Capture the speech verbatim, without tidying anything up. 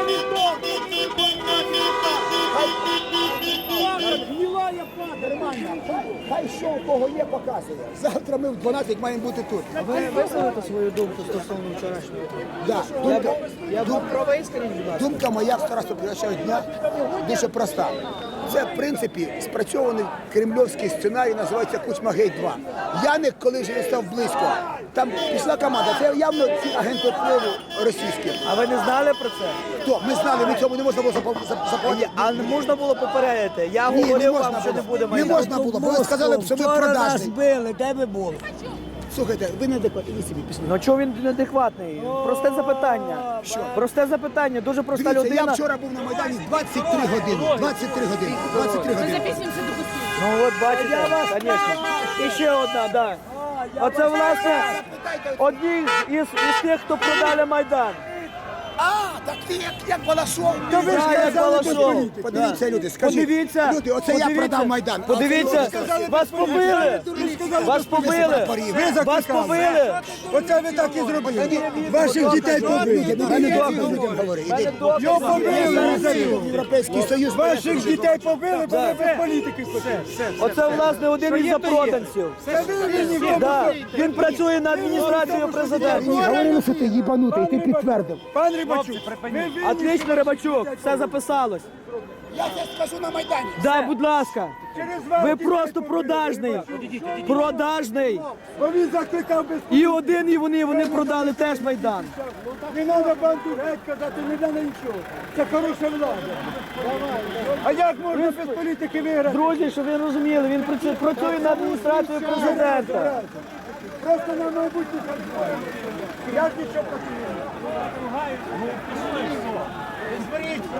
Гнилая пада, нормально. Хай що у кого є, показує. Завтра ми в дванадцять маємо бути тут. А ви висловите свою думку стосовно вчорашнього? Да. Я, Думка, я був правий, скажіть, будь ласка. думка моя в старостоплящого дня дуже проста. Це, в принципі, спрацьований кремльовський сценарій, називається Кучма-Гейт два. Яник, коли вже він став близько, там пішла команда, це явно ці агенти впливу російські. А ви не знали про це? Хто? Ми знали, ми цьому не можна було запо- зап- заплатити. А не можна було попередити? Я Ні, не говорив можна вам, що не було. буде Не майдану. можна було, бо ви сказали, б, що ви продажний. били, де ви були? Слухайте, ви неадекватні, ви собі пішли. Ну чого він неадекватний? Просте запитання. Що? Просте запитання, дуже проста Дивіться, людина. я вчора був на Майдані двадцять три години. двадцять три години. двадцять три години. Записуємося до кусів. Ну от бачите, звісно. І ще одна, так. Оце, власне, одні із, із тих, хто продали Майдан. А, так ти як, як Балашов. Та ви ж Да, як казали, Балашов. що- Подивіться, люди, скажіть. Подивіться, Люди, оце я подивіться, продав Майдан. А Подивіться, оце люди вас побили. Вас побили. Вас побили. Оце ви так і зробили. Ваших дітей побили. У мене докази. Людям говори. У мене Іди. докази. Його побили. Європейський Союз. Ваших дітей побили, бо ви без політики. Оце, власне, один із запроданців. Це ви винні в Да. тому. Він працює на адміністрацію президента. Ні, говорили, що ти їбанутий, ти підтвердив. Пан Рибачук, ви винні. Отлично, Рибачук, все записалось. Я це скажу на Майдані. Да, будь ласка. Через вас Ви дітей просто побили. продажний. Продажний. Бо він закликав без І один, і вони, вони продали теж Майдан. Не треба банду геть казати, не треба нічого. Це хороша влада. А як можна без політики виграти? Друзі, щоб ви розуміли, він працює, працює на адміністрацію президента. Просто на майбутнє працює. Я ж нічого проти не маю.